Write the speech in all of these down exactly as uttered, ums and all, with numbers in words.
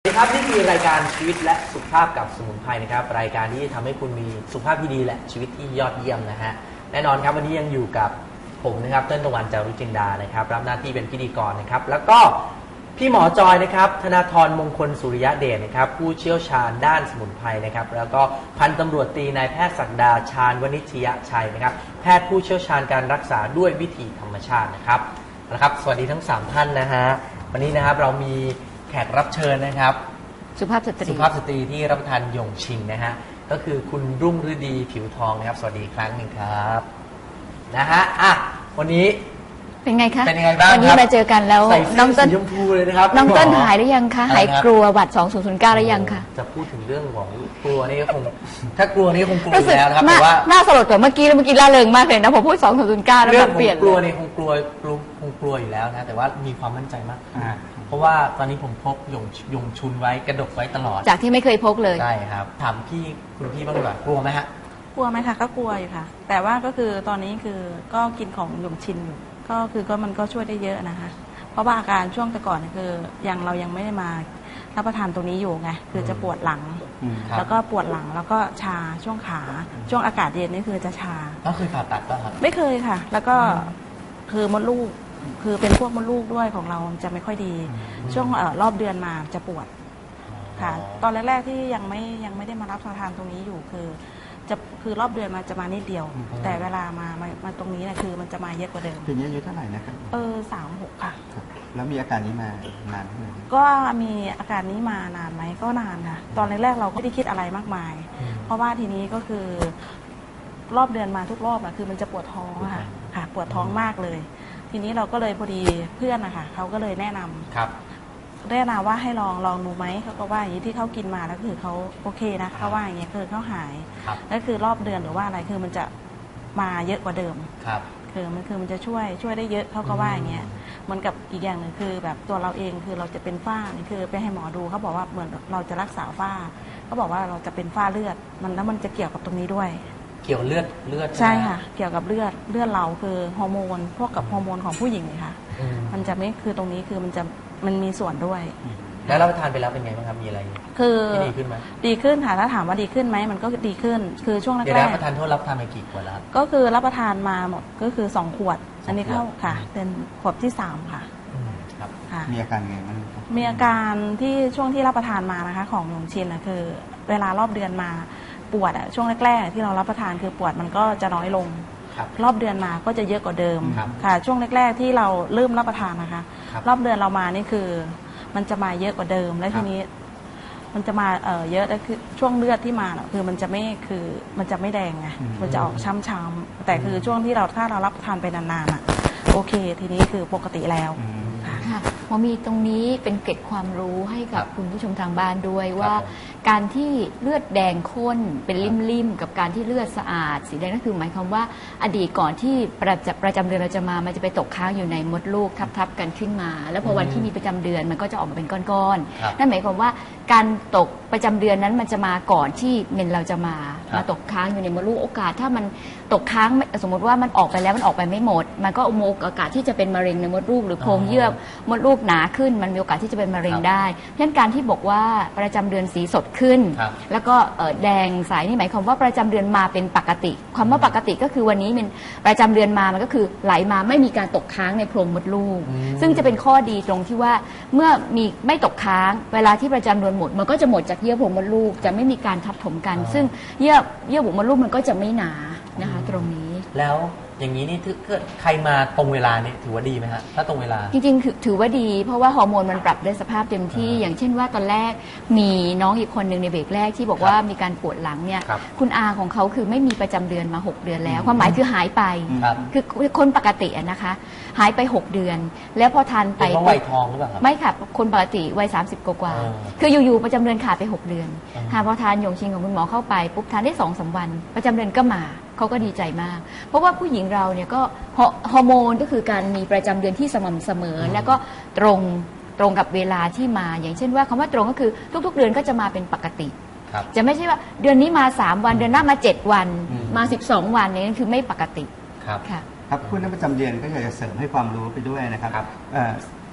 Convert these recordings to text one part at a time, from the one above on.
ครับนี่คือรายการชีวิตและสุขภาพกับสมุนไพรนะครับรายการที่ทำให้คุณมีสุขภาพที่ดีและชีวิตที่ยอดเยี่ยมนะฮะแน่นอนครับวันนี้ยังอยู่กับผมนะครับเติ้ลตะวันจารุจินดานะครับรับหน้าที่เป็นพิธีกรนะครับแล้วก็พี่หมอจอยนะครับธนาธรมงคลสุริยะเดชนะครับผู้เชี่ยวชาญด้านสมุนไพรนะครับแล้วก็พันตำรวจตรีนายแพทย์ศักดาชาญวณิชยชัยนะครับแพทย์ผู้เชี่ยวชาญการรักษาด้วยวิธีธรรมชาตินะครับนะครับสวัสดีทั้งสามท่านนะฮะวันนี้นะครับเรามีแขกรับเชิญนะครับสุภาพสตรีสุภาพสตรีที่รับประทานหยงชิงนะฮะก็คือคุณรุ่งฤดีผิวทองนะครับสวัสดีอีกครั้งหนึ่งครับนะฮะอ่ะวันนี้เป็นไงคะเป็นยังไงบ้างวันนี้มาเจอกันแล้วน้องเติ้ลสีชมพูเลยนะครับน้องเติ้ลหายหรือยังคะหายกลัวหวัดสองศูนย์ศูนย์เก้าหรือยังคะจะพูดถึงเรื่องของกลัวนี่คงถ้ากลัวนี่คงกลัวอยู่แล้วนะครับแต่ว่าน่าสลดกว่าเมื่อกี้แล้วเมื่อกี้ล่าเริงมากเลยนะพอพูดสองศูนย์ศูนย์เก้าแล้วมันเปลี่ยนกลัวนี่คงกลัวคงกลัวอยู่แล้วนะแต่ว่ามีความมั่นใจมากเพราะว่าตอนนี้ผมพกหยงหยงชุนไว้กระดกไว้ตลอดจากที่ไม่เคยพกเลยใช่ครับถามพี่คุณพี่บ้างดีกว่ากลัวไหมฮะกลัวไหมคะก็กลัวอยู่ค่ะแต่ว่าก็คือตอนนี้คือก็กินของหยงชินอยู่ก็คือก็มันก็ช่วยได้เยอะนะคะเพราะว่าอาการช่วงแต่ก่อนคือยังเรายังไม่ได้มารับประทานตรงนี้อยู่ไงคือจะปวดหลังแล้วก็ปวดหลังแล้วก็ชาช่วงขาช่วงอากาศเย็นนี่คือจะชาก็เคยผ่าตัดป่ะครับไม่เคยค่ะแล้วก็คือมดลูกคือเป็นพวกมดลูกด้วยของเราจะไม่ค่อยดีช่วงรอบเดือนมาจะปวดค่ะตอนแรกๆที่ยังไม่ยังไม่ได้มารับประทานตรงนี้อยู่คือจะคือรอบเดือนมาจะมานิดเดียวแต่เวลามามามาตรงนี้นะคือมันจะมาเยอะกว่าเดิมปีนี้อายุเท่าไหร่นะครับเออสามหกค่ะแล้วมีอาการนี้มานานไหมก็มีอาการนี้มานานไหมก็นานค่ะตอนแรกๆเราก็ไม่ได้คิดอะไรมากมายเพราะว่าทีนี้ก็คือรอบเดือนมาทุกรอบอะคือมันจะปวดท้องค่ะค่ะปวดท้องมากเลยทีนี้เราก็เลยพอดีเพื่อนนะคะเขาก็เลยแนะนำครับแนะนำว่าให้ลองลองดูไหมเขาก็ว่าอย่างนี้ที่เขากินมาแล้วคือเขาโอเคนะเขาว่าอย่างเงี้ยคือเขาหายแล้วคือรอบเดือนหรือว่าอะไรคือมันจะมาเยอะกว่าเดิมครับคือมันคือมันจะช่วยช่วยได้เยอะเขาก็ว่าอย่างเงี้ยเหมือนกับอีกอย่างหนึ่งคือแบบตัวเราเองคือเราจะเป็นฝ้านี่คือไปให้หมอดูเขาบอกว่าเหมือนเราจะรักษาฝ้าเขาบอกว่าเราจะเป็นฝ้าเลือดมันแล้วมันจะเกี่ยวกับตรงนี้ด้วยเกี่ยวเลือดเลือดใช่ค่ะเกี่ยวกับเลือดเลือดเราคือฮอร์โมนพวกกับฮอร์โมนของผู้หญิงเลยค่ะมันจะไม่คือตรงนี้คือมันจะมันมีส่วนด้วยแล้วรับประทานไปแล้วเป็นไงบ้างครับมีอะไรคือดีขึ้นไหมดีขึ้นค่ะถ้าถามว่าดีขึ้นไหมมันก็ดีขึ้นคือช่วงแรกๆเดี๋ยวรับประทานโทษรับประทานไปกี่ขวดแล้วครับก็คือรับประทานมาหมดก็คือสองขวดอันนี้เข้าค่ะเป็นขวดที่สามค่ะครับมีอาการไงบ้างมีอาการที่ช่วงที่รับประทานมานะคะของหยงชินนะคือเวลารอบเดือนมาปวดอะช่วงแรกๆที่เรารับประทานคือปวดมันก็จะน้อยลงรอบเดือนมาก็จะเยอะกว่าเดิมค่ะช่วงแรกๆที่เราเริ่มรับประทานนะคะรอบเดือนเรามานี่คือมันจะมาเยอะกว่าเดิมและทีนี้มันจะมาเออเยอะแล้วคือช่วงเลือดที่มาคือมันจะไม่คือมันจะไม่แดงไงมันจะออกช้ำๆแต่คือช่วงที่เราถ้าเรารับประทานไปนานๆอ่ะโอเคทีนี้คือปกติแล้วค่ะหมอมีตรงนี้เป็นเกร็ดความรู้ให้กับคุณผู้ชมทางบ้านด้วยว่าการที่เลือดแดงข้นเป็นริ่มๆกับการที่เลือดสะอาดสีแดงนั่นคือหมายความว่าอดีตก่อนที่ประจำประจำเดือนเราจะมามันจะไปตกค้างอยู่ในมดลูกทับๆกันขึ้นมาแล้วพอวันที่มีประจำเดือนมันก็จะออกมาเป็นก้อนๆนั่นหมายความว่าการตกประจำเดือนนั้นมันจะมาก่อนที่เมนเราจะมามาตกค้างอยู่ในมดลูกโอกาสถ้ามันตกค้างสมมติว่ามันออกไปแล้วมันออกไปไม่หมดมันก็มีโอกาสที่จะเป็นมะเร็งในมดลูกหรือโพรงเยื่อมดลูกหนาขึ้นมันมีโอกาสที่จะเป็นมะเร็งได้เพราะฉะนั้นการที่บอกว่าประจำเดือนสีสดขึ้นแล้วก็แดงใสนี่หมายความว่าประจำเดือนมาเป็นปกติความว่าปกติก็คือวันนี้มันประจำเดือนมามันก็คือไหลมาไม่มีการตกค้างในโพรงมดลูกซึ่งจะเป็นข้อดีตรงที่ว่าเมื่อมีไม่ตกค้างเวลาที่ประจำเดือนหมดมันก็จะหมดจากเยื่อโพรงมดลูกจะไม่มีการทับถมกันซึ่งเยื่อเยื่อบุมดลูกมันก็จะไม่หนานะคะตรงนี้แล้วอย่างนี้นี่ถ้าใครมาตรงเวลานี่ถือว่าดีไหมฮะถ้าตรงเวลาจริงๆถือว่าดีเพราะว่าฮอร์โมนมันปรับได้สภาพเต็มที่อย่างเช่นว่าตอนแรกมีน้องอีกคนหนึ่งในเบรกแรกที่บอกว่ามีการปวดหลังเนี่ยคุณอาของเขาคือไม่มีประจำเดือนมาหกเดือนแล้วความหมายคือหายไปคือคนปกตินะคะหายไปหกเดือนแล้วพอทานไปเป็นวัยทองหรือเปล่าครับไม่ค่ะคนปกติวัยสามสิบกว่าคืออยู่ๆประจำเดือนขาดไปหกเดือนค่ะพอทานหยงชิงของคุณหมอเข้าไปปุ๊บทานได้สองสามวันประจำเดือนก็มาเขาก็ดีใจมากเพราะว่าผู้หญิงเราเนี่ยก็ฮอร์โมนก็คือการมีประจำเดือนที่สม่ำเสมอแล้วก็ตรงตรงกับเวลาที่มาอย่างเช่นว่าคำว่าตรงก็คือทุกๆเดือนก็จะมาเป็นปกติจะไม่ใช่ว่าเดือนนี้มาสามวันเดือนหน้ามาเจ็ดวันมาสิบสองวันนี่คือไม่ปกติครับครับคุณนักประจำเดือนก็อยากจะเสริมให้ความรู้ไปด้วยนะครับ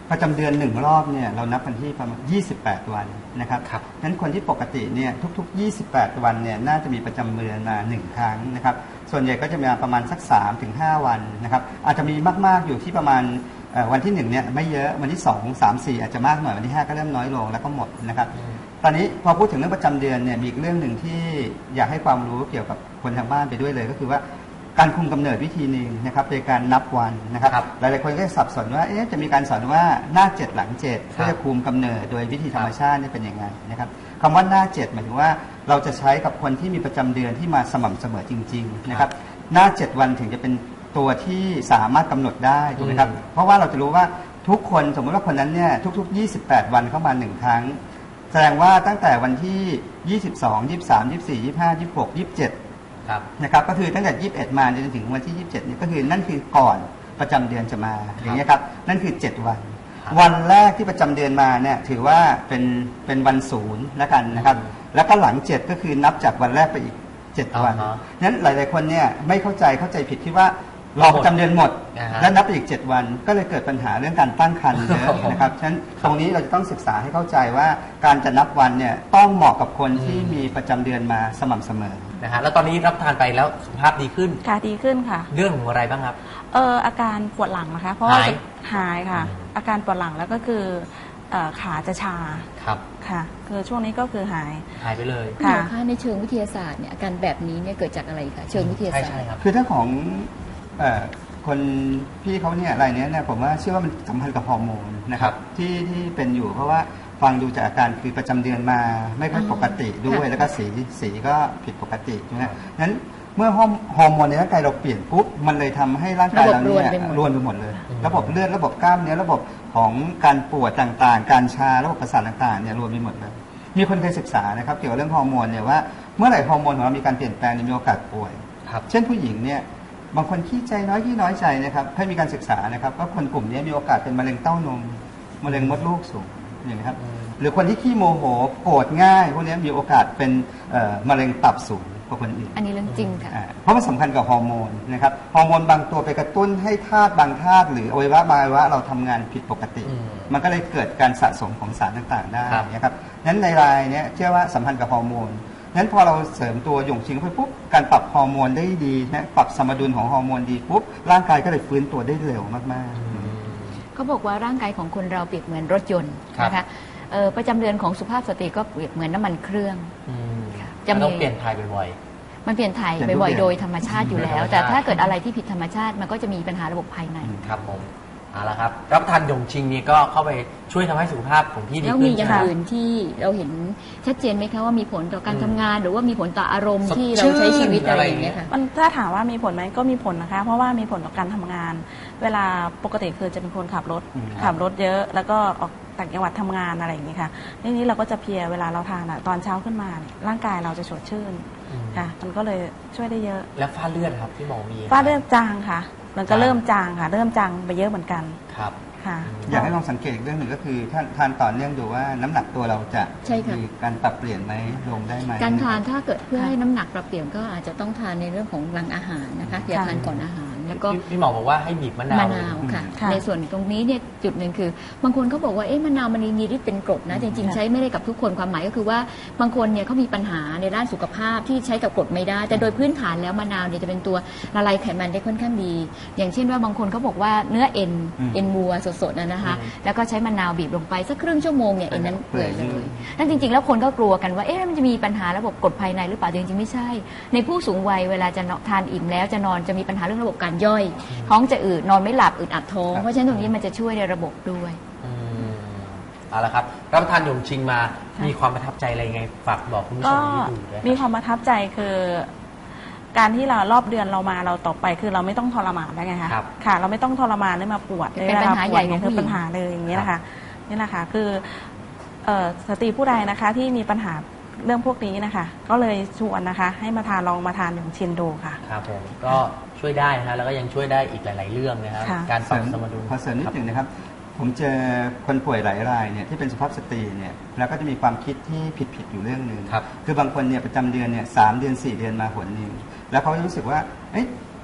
ประจำเดือนหนึ่งรอบเนี่ยเรานับกันที่ประมาณยี่สิบแปดวันนะครับครับงั้นคนที่ปกติเนี่ยทุกๆยี่สิบแปดวันเนี่ยน่าจะมีประจำเดือนมาหนึ่งครั้งนะครับส่วนใหญ่ก็จะมีประมาณสัก สามถึงห้า วันนะครับอาจจะมีมากๆอยู่ที่ประมาณวันที่หนึ่งเนี่ยไม่เยอะวันที่สอง สาม สี่อาจจะมากหน่อยวันที่ห้าก็เริ่มน้อยลงแล้วก็หมดนะครับตอนนี้พอพูดถึงเรื่องประจำเดือนเนี่ยมีอีกเรื่องหนึ่งที่อยากให้ความรู้เกี่ยวกับคนทางบ้านไปด้วยเลยก็คือว่าการคุมกำเนิดวิธีหนึ่งนะครับโดยการนับวันนะครับหลายๆคนก็จะสับสนว่าเอ๊ะจะมีการสอนว่าหน้าเจ็ดหลังเจ็ดเพื่อจะคุมกำเนิดโดยวิธีธรรมชาตินี่เป็นยังไงนะครับคำว่าหน้าเจ็ดหมายถึงว่าเราจะใช้กับคนที่มีประจำเดือนที่มาสม่ำเสมอจริงๆนะครับหน้าเจ็ดวันถึงจะเป็นตัวที่สามารถกำหนดได้ถูกไหมครับเพราะว่าเราจะรู้ว่าทุกคนสมมติว่าคนนั้นเนี่ยทุกๆยี่สิบแปดวันเข้ามาหนึ่งครั้งแสดงว่าตั้งแต่วันที่ยี่สิบสอง ยี่สิบสาม ยี่สิบสี่ ยี่สิบห้า ยี่สิบหก ยี่สิบเจ็ดนะครับก็คือตั้งแต่ยี่สิบเอ็ดมาจนถึงวันที่ยี่สิบเจ็ดนี่ก็คือนั่นคือก่อนประจำเดือนจะมาอย่างนี้ครับนั่นคือเจ็ดวันวันแรกที่ประจำเดือนมาเนี่ยถือว่าเป็นเป็นวันศูนย์แล้วกันนะครับแล้วก็หลังเจ็ดก็คือนับจากวันแรกไปอีกเจ็ดวันนั้นหลายๆคนเนี่ยไม่เข้าใจเข้าใจผิดที่ว่ารอประจำเดือนหมดแล้วนับไปอีกเจ็ดวันก็เลยเกิดปัญหาเรื่องการตั้งครรภ์เยอะนะครับฉะนั้นตรงนี้เราจะต้องศึกษาให้เข้าใจว่าการจะนับวันเนี่ยต้องเหมาะกับคนที่มีประจำเดือนมาสม่ำเสมอนะฮะแล้วตอนนี้รับทานไปแล้วสุขภาพดีขึ้นค่ะดีขึ้นค่ะเรื่องของอะไรบ้างครับเอออาการปวดหลังนะคะเพราะว่าหายค่ะอาการปวดหลังแล้วก็คือขาจะชาครับค่ะคือช่วงนี้ก็คือหายหายไปเลยค่ะในเชิงวิทยาศาสตร์เนี่ยอาการแบบนี้เนี่ยเกิดจากอะไรคะเชิงวิทยาศาสตร์คือถ้าของคนพี่เขาเนี่ยอะไรเนี้ยเนี่ยผมว่าเชื่อว่ามันสัมพันธ์กับฮอร์โมนนะครับที่ที่เป็นอยู่เพราะว่าฟังดูจากอาการคือประจำเดือนมาไม่ค่อยปกติด้วยแล้วก็สีสีก็ผิดปกตินะนั้นเมื่อฮอร์โมนในร่างกายเราเปลี่ยนปุ๊บมันเลยทำให้ร่างกายเราเนี่ยรวนไปหมดเลยระบบเลือดระบบกล้ามเนื้อระบบของการปวดต่างๆการชาระบบประสาทต่างๆเนี่ยรวมไปหมดเลยมีคนเคยศึกษานะครับเกี่ยวกับเรื่องฮอร์โมนเนี่ยว่าเมื่อไหร่ฮอร์โมนของเรามีการเปลี่ยนแปลงมีโอกาสป่วยเช่นผู้หญิงเนี่ยบางคนขี้ใจน้อยขี้น้อยใจนะครับให้มีการศึกษานะครับว่าคนกลุ่มนี้มีโอกาสเป็นมะเร็งเต้านมมะเร็งมดลูกสูงอย่างนี้ครับหรือคนที่ขี้โมโหโกรธง่ายพวกนี้มีโอกาสเป็นมะเร็งตับสูงกว่าคนอื่นอันนี้เรื่องจริงค่ะเพราะมันสำคัญกับฮอร์โมนนะครับฮอร์โมนบางตัวไปกระตุ้นให้ธาตุบางธาตุหรืออวัยวะบางอวัยวะเราทำงานผิดปกติมันก็เลยเกิดการสะสมของสารต่างๆได้นะครับนั้นในรายนี้เชื่อว่าสัมพันธ์กับฮอร์โมนนั้นพอเราเสริมตัวหยงชิงไปปุ๊บการปรับฮอร์โมนได้ดีนะปรับสมดุลของฮอร์โมนดีปุ๊บร่างกายก็เลยฟื้นตัวได้เร็วมากๆเขาบอกว่าร่างกายของคนเราเปรียบเหมือนรถยนต์นะคะประจำเดือนของสุภาพสตรีก็เปรียบเหมือนน้ำมันเครื่องจะต้องเปลี่ยนถ่ายบ่อยๆมันเปลี่ยนถ่ายบ่อยๆโดยธรรมชาติอยู่แล้วแต่ถ้าเกิดอะไรที่ผิดธรรมชาติมันก็จะมีปัญหาระบบภายในครับผมเอาละครับรับประทานหยงชิงนี้ก็เข้าไปช่วยทำให้สุขภาพของพี่ดีขึ้นแล้วมีอย่างอื่นที่เราเห็นชัดเจนไหมคะว่ามีผลต่อการทำงานหรือว่ามีผลต่ออารมณ์ที่เราใช้ชีวิตอะไรอย่างเงี้ยค่ะมันถ้าถามว่ามีผลไหมก็มีผลนะคะเพราะว่ามีผลต่อการทำงานเวลาปกติคือจะเป็นคนขับรถขับรถเยอะแล้วก็ออกต่างจังหวัดทำงานอะไรอย่างเงี้ยค่ะทีนี้เราก็จะเพลียเวลาเราทานอ่ะตอนเช้าขึ้นมาร่างกายเราจะสดชื่นค่ะมันก็เลยช่วยได้เยอะแล้วฝ้าเลือดครับที่หมอมีฝ้าเลือดจางค่ะมันก็เริ่มจางค่ะเริ่มจางไปเยอะเหมือนกันครับอยากให้ลองสังเกตอีกเรื่องหนึ่งก็คือท่านทานต่อเนื่องดูว่าน้ำหนักตัวเราจะมีการปรับเปลี่ยนไหมลงได้ไหมการทานถ้าเกิดเพื่อให้น้ำหนักปรับเปลี่ยนก็อาจจะต้องทานในเรื่องของหลังอาหารนะคะอย่าทานก่อนอาหารแล้วก็พี่หมอบอกว่าให้บีบมะนาวมะนาวค่ะในส่วนตรงนี้เนี่ยจุดหนึ่งคือบางคนเขาบอกว่าเอ๊ะมะนาวมันมีฤทธิ์เป็นกรดนะจริงๆใช้ไม่ได้กับทุกคนความหมายก็คือว่าบางคนเนี่ยเขามีปัญหาในด้านสุขภาพที่ใช้กับกรดไม่ได้แต่โดยพื้นฐานแล้วมะนาวเนี่ยจะเป็นตัวละลายไขมันได้ค่อนข้างดีอย่างเช่นว่าบางคนเขาบอกว่าเนื้อเอ็นเอ็นวัวสดๆนะนะคะแล้วก็ใช้มะนาวบีบลงไปสักครึ่งชั่วโมงเนี่ยเอ็นนั้นเปื่อยเลยนั่นจริงๆแล้วคนก็กลัวกันว่าเอ๊ะมันจะมีปัญหาระบบกรดภายในหรือเปล่าจริงๆไม่ใช่ในผู้สูงวัยเวลาจะทานอิ่มแล้วจะนอนจะมีปัญหาเรื่องระบบการย่อยท้องจะอืดนอนไม่หลับอึดอัดท้องเพราะฉะนั้นตรงนี้มันจะช่วยในระบบด้วยเอาละครับรับประทานหยงชิงมามีความประทับใจอะไรไงฝากบอกคุณผู้ชมที่ดูด้วยมีความประทับใจคือการที่เรารอบเดือนเรามาเราต่อไปคือเราไม่ต้องทรมานได้ไงคะค่ะเราไม่ต้องทรมานได้มาปวดเป็นปัญหาใหญ่ของคือปัญหาเลยอย่างนี้นะคะนี่นะคะคือสตรีผู้ใดนะคะที่มีปัญหาเรื่องพวกนี้นะคะก็เลยชวนนะคะให้มาทานลองมาทานหยงชินดูค่ะครับผมก็ช่วยได้นะแล้วก็ยังช่วยได้อีกหลายๆเรื่องนะครับการปรับสมดุลขอเสริมนิดหนึ่งนะครับผมเจอคนป่วยหลายรายเนี่ยที่เป็นสุภาพสตรีเนี่ยแล้วก็จะมีความคิดที่ผิดๆอยู่เรื่องหนึ่งครับคือบางคนเนี่ยประจำเดือนเนี่ยสามเดือนสี่เดือนมาหนนึงแล้วเขารู้สึกว่าเอ๊ะ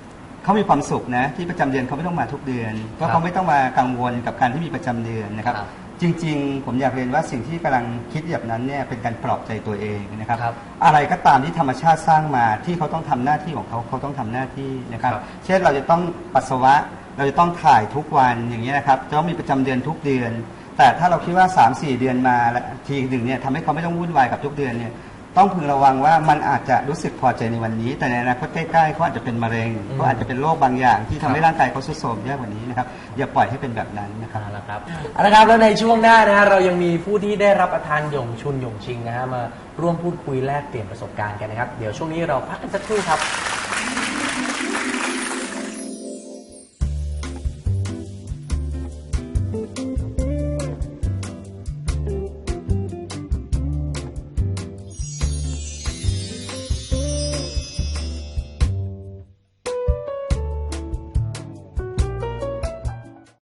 เขามีความสุขนะที่ประจำเดือนเขาไม่ต้องมาทุกเดือนเพราะเขาไม่ต้องมากังวลกับการที่มีประจำเดือนนะครับจริงๆผมอยากเรียนว่าสิ่งที่กำลังคิดแบบนั้นเนี่ยเป็นการปลอบใจตัวเองนะครับอะไรก็ตามที่ธรรมชาติสร้างมาที่เขาต้องทำหน้าที่ของเขาเขาต้องทำหน้าที่นะครับเช่นเราจะต้องปัสสาวะเราจะต้องถ่ายทุกวันอย่างนี้นะครับจะต้องมีประจำเดือนทุกเดือนแต่ถ้าเราคิดว่า สามสี่ เดือนมาทีหนึ่งเนี่ยทำให้เขาไม่ต้องวุ่นวายกับทุกเดือนเนี่ยต้องพึงระวังว่ามันอาจจะรู้สึกพอใจในวันนี้แต่ในอนาคตใกล้ๆเขาอาจจะเป็นมะเร็งเขาอาจจะเป็นโรคบางอย่างที่ทำให้ร่างกายเขาทรุดโทรมเยอะกว่านี้นะครับอย่าปล่อยให้เป็นแบบนั้นนะครับนะครับเอาละครับแล้วในช่วงหน้านะฮะเรายังมีผู้ที่ได้รับประทานหยงชุนหยงชิงนะฮะมาร่วมพูดคุยแลกเปลี่ยนประสบการณ์กันนะครับเดี๋ยวช่วงนี้เราพักกันสักครู่ครับ